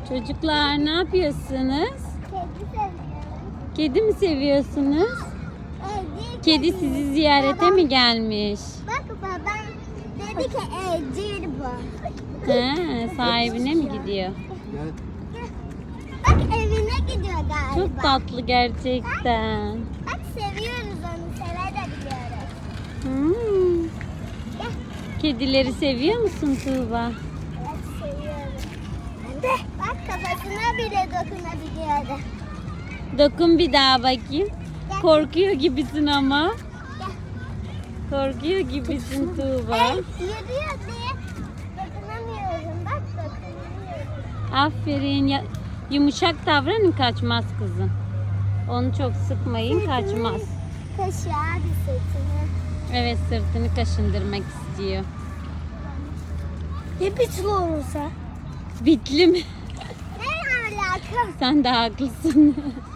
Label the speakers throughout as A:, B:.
A: Çocuklar ne yapıyorsunuz?
B: Kedi seviyorum.
A: Kedi mi seviyorsunuz? Kedi sizi ziyarete mi gelmiş?
B: Bak babam dedi ki evcil bu.
A: He, sahibine mi gidiyor?
B: Bak evine gidiyor galiba.
A: Çok tatlı gerçekten.
B: Bak seviyoruz onu, sevebiliyoruz.
A: Hmm. Kedileri seviyor musun Tuğba?
B: Evet seviyorum. Bak kafasına bile dokunabiliyorum.
A: Dokun bir daha bakayım. Korkuyor gibisin ama. Korkuyor gibisin Tuğba.
B: Yürüyor diye dokunamıyorum. Bak dokunamıyorum.
A: Aferin. Yumuşak davranın, kaçmaz kızım. Onu çok sıkmayın, kaçmaz.
B: Kaşığa bir sırtını.
A: Evet, sırtını kaşındırmak istiyor.
B: Ya bitli olursa?
A: Bitli mi?
B: Ne alaka?
A: Sen de haklısın.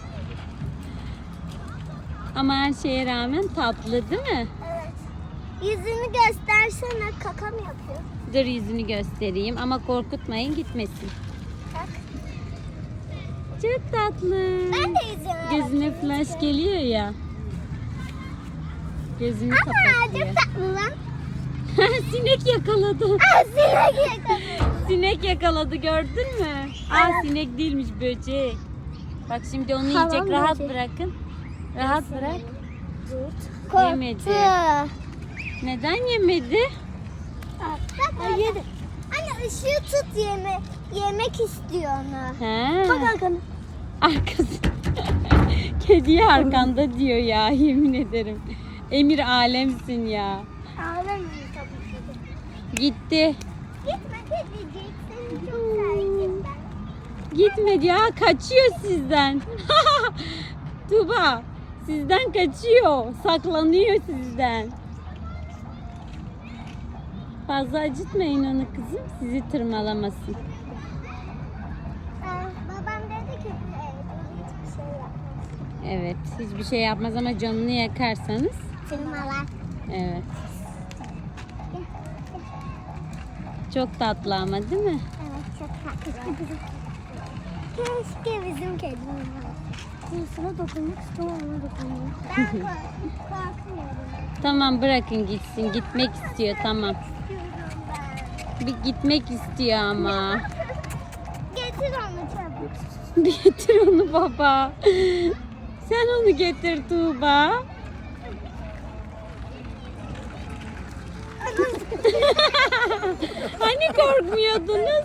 A: Ama her şeye rağmen tatlı değil mi?
B: Evet. Yüzünü göstersene, kaka mı yapıyor?
A: Dur yüzünü göstereyim ama korkutmayın, gitmesin.
B: Bak.
A: Çok tatlı.
B: Ben de yüzüme
A: Gözüne flash geliyor ya. Gözünü
B: Ama
A: kapatıyor.
B: çok tatlı lan.
A: Sinek yakaladı.
B: Sinek yakaladı.
A: Sinek yakaladı, gördün mü? Aa, sinek değilmiş, böcek. Bak şimdi onu
B: Hamam
A: yiyecek, rahat
B: böceği.
A: bırakın. Rahat bırak. Yemedi.
B: Korktu.
A: Neden yemedi?
B: Bak yedi. Anne ışığı tut yemek istiyor onu.
A: He.
B: Bak arkana.
A: Arkası. Kediye arkanda diyor ya, yemin ederim. Emir alemsin ya.
B: Ağlamıyor tabii ki de.
A: Gitti.
B: Gitme kedicik. Seni çok sevdim ben.
A: Gitmedi ya, kaçıyor sizden. Tuba sizden kaçıyor. Saklanıyor sizden. Fazla acıtmayın onu kızım. Sizi tırmalamasın.
B: Babam dedi ki hiçbir şey yapmaz.
A: Evet, hiçbir şey yapmaz ama canını yakarsanız.
B: Tırmalar.
A: Evet. Çok tatlı ama değil mi?
B: Evet çok tatlı. Keşke bizim kedimiz olsa. Sana dokunmak istiyorum, ona dokunmuyor. Ben korkmuyorum.
A: Tamam, bırakın gitsin. Gitmek istiyor, tamam.
B: İstiyorum ben.
A: Bir gitmek istiyor ama.
B: Getir onu çabuk.
A: Getir onu baba. Sen onu getir Tuğba. Hani korkmuyordunuz?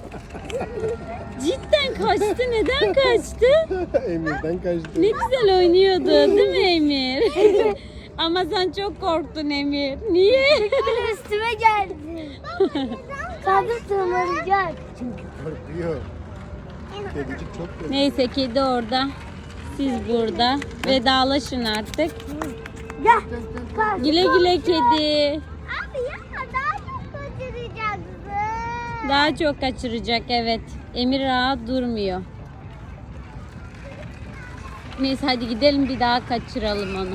A: Cidden kaçtı. Neden kaçtı?
C: Emir'den kaçtı.
A: Ne güzel oynuyordu değil mi Emir? Ama sen çok korktun Emir. Niye?
B: Üstüme geldi. Kaldır tırmanacak.
C: Çünkü korkuyor. Kedicik çok korkuyor.
A: Neyse, kedi orada. Siz burada. Vedalaşın artık.
B: Gel. Kalk.
A: Güle güle kedi.
B: Abi yapma, daha çok kaçıracaksın.
A: Daha çok kaçıracak, evet. Emir rahat durmuyor. Neyse hadi gidelim, bir daha kaçıralım onu.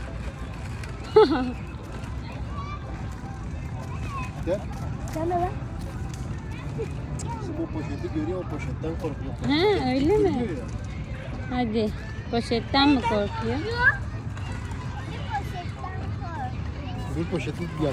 C: Gel.
B: Sana bak.
C: Şimdi o poşeti görüyor, o poşetten korkuyor.
A: He, öyle mi?
C: Görüyor ya.
A: Hadi. Poşetten mi korkuyor?
B: Bir poşetten kork.
C: Bir poşeti